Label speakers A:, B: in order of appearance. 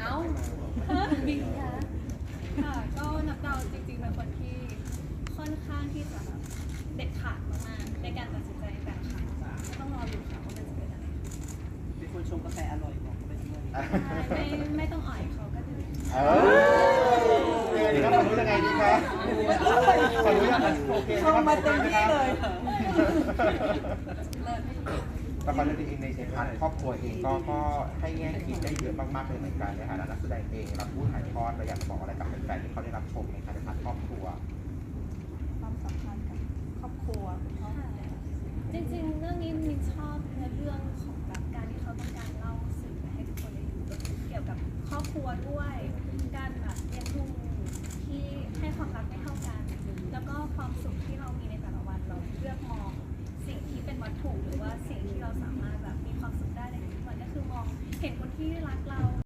A: าบินค่ะค่ะก็นับดาวจริงๆเป็นคนที่ค่อนข้างที่จะแบบเด็ดขาดมากๆในการตัดสินใจแต่ละครั้งต้องรอดูค่ะว่ามันจะเป็นอะไร
B: เป็นคนชงกาแฟอร่อยบอกเขาไปด้วย
A: ไม่ต้องอ่อยเขาก็ดี
C: ดีครับรู้ยังไงดีครับขอรู้ยังไงโอเคครับมาเต็มที่เลยละครเรื่องนี้เองในพาร์ทครอบครัวเองก็ให้แง่คิดได้เยอะมากๆเลยเหมือนกันในฐานะนักแสดงเองรับผู้ถ่ายทอดเราอยากบอกอะไรกับแฟนๆที่เขาได้รับชมในพาร์ทครอบครัว
D: ความสัมพันธ์กับครอบครัวคุณพ่อ
A: จริงๆเรื่องนี้มินชอบในเรื่องของแบบการที่เขาต้องการเล่าสื่อให้ทุกคนได้ดูเกี่ยวกับครอบครัวด้วยการแบบเลี้ยงดูที่ให้ความรักไม่เท่ากันแล้วก็ความสุขที่เรามีในแต่ละวันเราเลือกมองสิ่งที่เป็นวัตถุหรือว่าสิ่งที่เราสามารถแบบมีความสุขได้ในทุกวันก็คือมองเห็นคนที่รักเรา